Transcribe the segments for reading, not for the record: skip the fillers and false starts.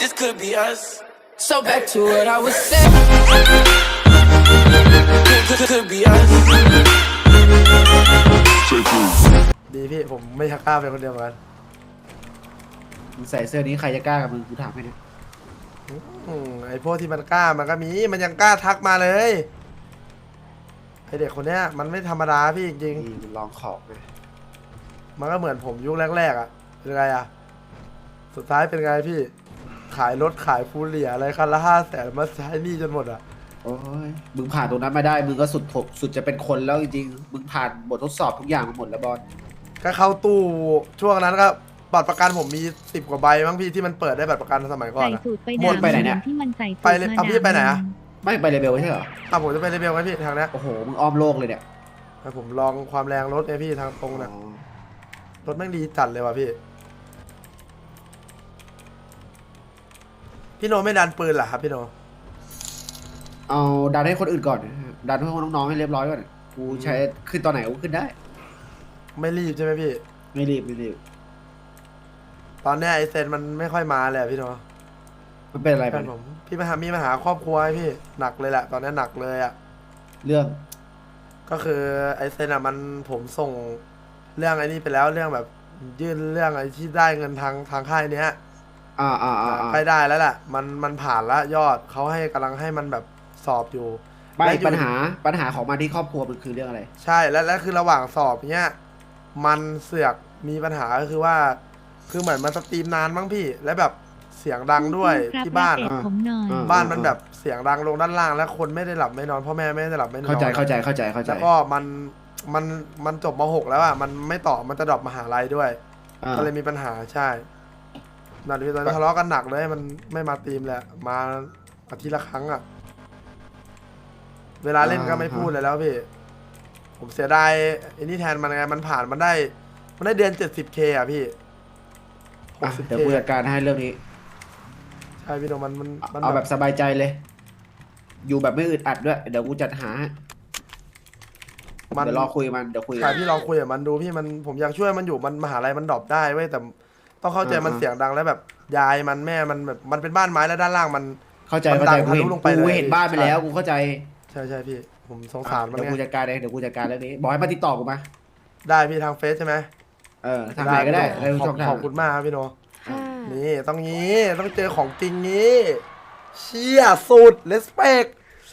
this could be us. So back to what I was saying. Could be us. ดีพี่ผมไม่ชักกล้าไปคนเดียวเหมือนกันมึงใส่เสื้อนี้ใครจะกล้ากับมึงกูถามให้นะไอพวกที่มันกล้ามันก็มีมันยังกล้าทักมาเลยไอเด็กคนเนี้ยมันไม่ธรรมดาพี่จริงนี่มันลองของไงๆมันก็เหมือนผมยุคแรกๆอ่ะเป็นไงอ่ะสุดท้ายเป็นไงพี่ขายรถขายฟูเรียอะไรคันละ500,000มาใช้หนี้จนหมดอ่ะโอ้ยมึงผ่านตรงนั้นมาได้มึงก็สุดจะเป็นคนแล้วจริงๆมึงผ่านบททดสอบทุกอย่างมาหมดแล้วบอลก็เข้าตู้ช่วงนั้นก็บัตรประกันผมมี10 กว่าใบมั้งพี่ที่มันเปิดได้บัตรประกันสมัยก่อนใส่อะสูตรไปหมดไปไหนเนี่ยที่มันใส่สูตรไปเลยเอาพี่ไปไหนอะไม่ไปเลเวลไม่ใช่เหรอผมจะไปเลเวลไหมพี่ทางเนี้ยโอ้โหมึงอ้อมโลกเลยเนี่ยให้ผมลองความแรงรถไงพี่ทางตรงนะรถแม่งดีจัดเลยว่ะพี่พี่โนไม่ดันปืนเหรอครับพี่โนเอาดันให้คนอื่นก่อนดันให้พวกน้องๆให้เรียบร้อยก่อนกูใช้ขึ้นตอนไหนกูขึ้นได้ไม่รีบใช่ไหมพี่ไม่รีบไม่รีบตอนเนี้ยไอเซนมันไม่ค่อยมาเลยอะพี่โนมันเป็นอะไรแฟมันนผมพี่มีปัญหาครอบครัวไหมพี่หนักเลยแหละตอนนี้หนักเลยอ่ะเรื่องก็คือไอเซนอ่ะมันผมส่งเรื่องไอ้นี่ไปแล้วเรื่องแบบยื่นเรื่องไอ้ที่ได้เงินทางค่ายเนี้ย ใกล้ได้แล้วแหละมันผ่านแล้วยอดเขาให้กำลังให้มันแบบสอบอยู่ไม่และอยู่ปัญหาของมันที่ครอบครัวมันคือเรื่องอะไรใช่แล้วคือระหว่างสอบเนี้ยมันเสือกมีปัญหาก็คือว่าคือเหมือนมันสตรีมนานมั้งพี่แล้วแบบเสียงดังด้วยครับที่บ้านรับอะเอกผมหน่อยบ้านมันแบบเสียงดังลงด้านล่างแล้วคนไม่ได้หลับไม่นอนพ่อแม่ไม่ได้หลับไม่นอนเข้าใจแล้วก็มันจบม.6แล้วอ่ะมันไม่ต่อมันจะดรอปมหาลัยด้วย ก็เลยมีปัญหาใช่ตอนนี้ทะเลาะกันหนักเลยมันไม่มาตีมแหละมาอาทิตย์ละครั้งอ่ะเวลาเล่นก็ไม่พูดเลยแล้วพี่ผมเสียดายไอ้นี่แทนมันไงมันผ่านมันได้เดือน 70K อ่ะพี่อ่ะ 60K เดี๋ยวกูจัดการให้เรื่องนี้ใช่พี่โนมันเอาแบบสบายใจเลย อยู่แบบไม่อึดอัดด้วย เดี๋ยวกูจัดหาให้เดี๋ยวรอคุยมันเดี๋ยวคุยใช่พี่ลองคุยกับมันดูพี่ผมอยากช่วยมันอยู่มันมหาลัยมันดรอปได้เว้ยแต่ต้องเข้าใจมันเสียงดังแล้วแบบยายมันแม่มันแบบมันเป็นบ้านไม้แล้วด้านล่างมันเข้าใจมันดังทะลุลงไปเลยกูเห็นบ้านไปแล้วกูเข้าใจใช่พี่ผมสงสารมันเดี๋ยวไงกูจัดการเองเดี๋ยวกูจัดการเรื่องนี้บอกให้มาติดต่อกูมาได้พี่ทางเฟซใช่ไหมทางไหนก็ได้ขอบคุณมากครับพี่โนค่ะนี่ต้องงี้ต้องเจอของจริงงี้เชี่ยสุดเลสเปก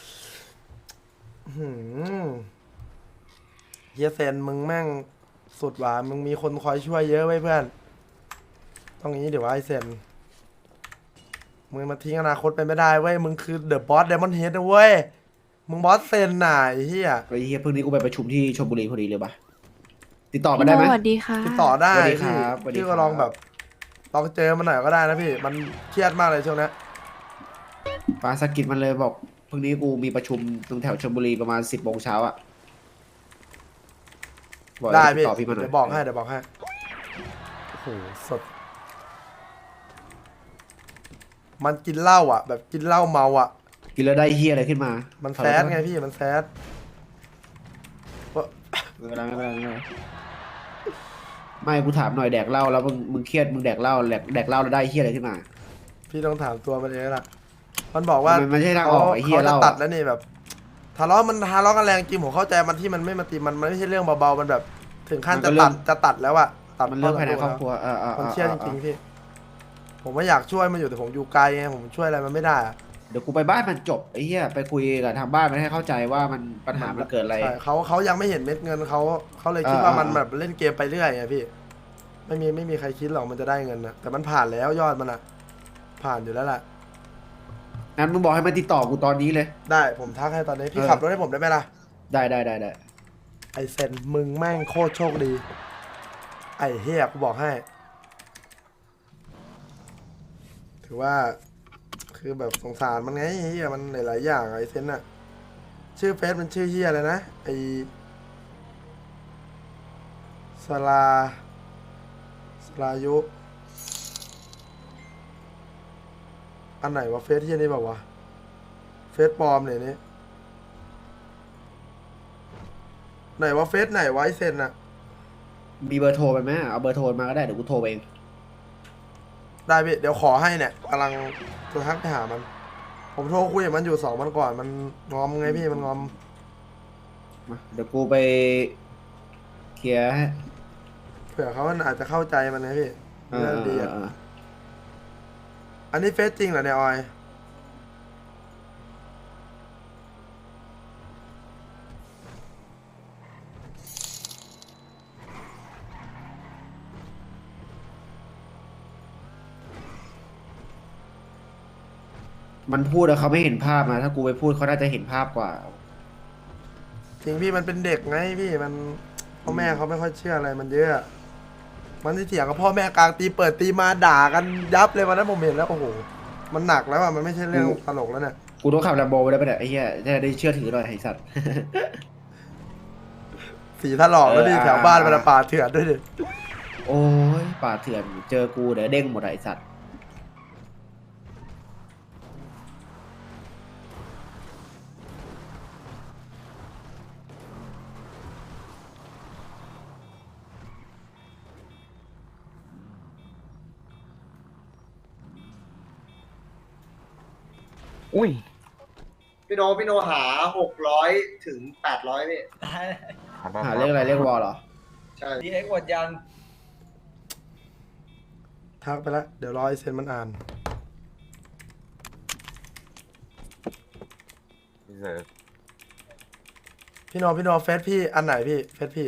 เฮียเซนมึงแม่งสุดว่ะมึงมีคนคอยช่วยเยอะไว้เพื่อนต้องงี้เดี๋ยวว่าไอเซนมึงมาทิ้งอนาคตไปไม่ได้เว้ยมึงคือเดอะบอสเดมอนเฮดนะเว้ยมึงบอสเซนน่ะไอ้เฮียไอ้เฮียเพิ่งนี้กูไปประชุมที่ชลบุรีพอดีเลยปะติดต่อมาได้ไหมสวัสดีค่ะติดต่อได้สวัสดีคพี่รับสวัสดีพี่ครัก็บลองแบบลองเจอมันหน่อยก็ได้นะพี่มันเครียดมากเลยช่วงนี้ปาสกิดมันเลยบอกเพิ่งนี้กูมีประชุมตรงแถวชลบุรีประมาณ10 โมงเช้าอ่ะบอกได้ให้ติพี่ดต่อพี่มาหน่อยเดี๋ยวบอกให้โอ้โหสดมันกินเหล้าอ่ะ แบบกินเหล้าเมาอ่ะกินแล้วได้เฮียอะไรขึ้นมามันแซดไงพี่มันแซดไม่เป็นไรไม่เป็นไรไม่เป็นไรไม่กูถามหน่อยแดกเหล้าแล้วมึงเครียดมึงแดกเหล้าแดกเหล้าแล้วได้เฮียอะไรขึ้นมาพี่ต้องถามตัวมันเองล่ะมันบอกว่ามันไม่ใช่ทางออกไอ้เหี้ยเขาจะเหล้าตัดแล้วนี่แบบทะเลาะกันแรงจริงผมเข้าใจมันที่มันไม่มาตีมันไม่ใช่เรื่องเบาๆมันแบบ ถึงขั้นจะตัดแล้วอะตัดมันเรื่องภายในครอบครัวมันเครียดจริงๆพี่ผมว่าอยากช่วยมันอยู่แต่ผมอยู่ไกลไงผมช่วยอะไรมันไม่ได้อะเดี๋ยวกูไปบ้านมันจบไอ้เหี้ยไปคุยกับทางบ้านมันให้เข้าใจว่ามันปัญหามันเกิดอะไรใช่เขายังไม่เห็นเม็ดเงินเขาเลยคิดว่ามันแบบเล่นเกมไปเรื่อยไงพี่ไม่มีใครคิดหรอกมันจะได้เงินนะแต่มันผ่านแล้วยอดมันอะผ่านอยู่แล้วแหละงั้นมึงบอกให้มันติดต่อกูตอนนี้เลยได้ผมทักให้ตอนนี้พี่ขับรถให้ผมได้ไหมล่ะได้ไอเซนมึงแม่งโคตรโชคดีไอเฮียกูบอกให้ ถือว่าคือแบบสงสารมันไงเฮียมันหลายๆอย่างไอเซนอะชื่อเฟซมันชื่อเฮียอะไรนะไอสลายุอันไหนวะเฟซเฮียนี่แบบวะเฟซปลอมเนี่ยนี่ไหนวะเฟซไหนวะไอเซนอะมีเบอร์โทรไปไหมเอาเบอร์โทรมาก็ได้เดี๋ยวกูโทรไปเองได้พี่เดี๋ยวขอให้เนี่ยกำลังจะทักไปหามัน ผมโทรคุยกับมันอยู่2 วันก่อนมันงอมไงพี่มันงอมมาเดี๋ยวกูไปเคลียร์ให้เผื่อเขามันอาจจะเข้าใจมันนะพี่เอเรื่อองดีอ่ะเอออันนี้เฟซจริงเหรอเนี่ยออยมันพูดแล้วเขาไม่เห็นภาพนะถ้ากูไปพูดเขาน่าจะเห็นภาพกว่าจริงพี่มันเป็นเด็กไงพี่มันพ่อแม่เขาไม่ค่อยเชื่ออะไรมันเยอะ มันที่เถียงกับพ่อแม่กลางตีเปิดตีมาด่ากันยับเลยวันนั้นผมเห็นแล้วโอ้โหมันหนักแล้วอ่ะมันไม่ใช่เรื่องตลกแล้วเนี่ยกูต้องขับแลมโบไปได้ปะเนี่ยไอ้เหี้ยจะได้เชื่อถือหน่อยไอ้สัตว์สีถลอกแล้วดิเออแถวบ้านมันป่าเถื่อนด้วยดิโอ้ยป่าเถื่อนเจอกูเดี๋ยวเด้งหมดอะไอ้สัตว์อุ้ยพี่โนหา600 ถึง 800พี่หาเรื่องอะไรเรื่องวอลเหรอใช่ดีเอ็กหมดยังทักไปแล้วเดี๋ยวรอไอเซนมันอ่านพี่เสิร์ฟพี่โนเฟซพี่อันไหนพี่เฟซพี่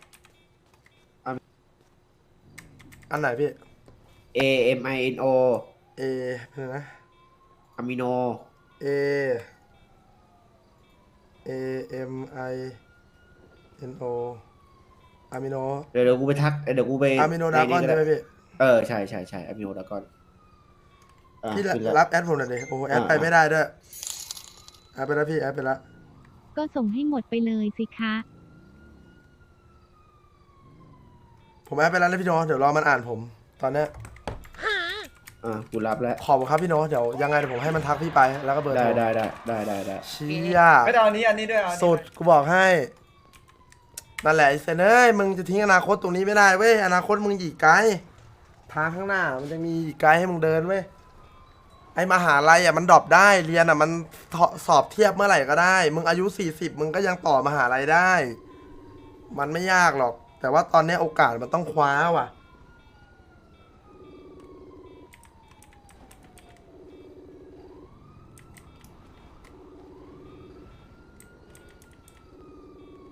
อันไหนพี่ A M I N O เอเพื่อนนะอะมิโน A A M I N O อะมิโนเดี๋ยวกูไปทักเดี๋ยวกูไปอะมิโนดากอนในใช่ไหมพี่เออใช่อะมิโนดากอนอ่ะพี่ขึ้นแล้วรับแอดผมหน่อยดิโอ้โหแอดไปไม่ได้ด้วยแอดไปแล้วพี่แอดไปแล้วก็ส่งให้หมดไปเลยสิคะผมแอดไปแล้วนะพี่โนเดี๋ยวรอมันอ่านผม ตอนเนี้ยกูรับแล้วขอบคุณครับพี่โนเดี๋ยวยังไงเดี๋ยวผมให้มันทักพี่ไปแล้วก็เบอร์ได้โทรได้เชี่ยไม่ต้องอันนี้อันนี้ด้วยเอาอันนี้สุดกูบอกให้นั่นแหละไอ้เซนเอ้ยมึงจะทิ้งอนาคตตรงนี้ไม่ได้เว้ยอนาคตมึงอีกไกลทางข้างหน้ามันจะมีอีกไกลให้มึงเดินเว้ยไอ้มหาลัยอ่ะมันดรอปได้เรียนอ่ะมันสอบเทียบเมื่อไหร่ก็ได้ มึงอายุ40มึงก็ยังต่อมหาลัยได้ มันไม่ยากหรอก แต่ว่าตอนนี้โอกาสมันต้องคว้าว่ะ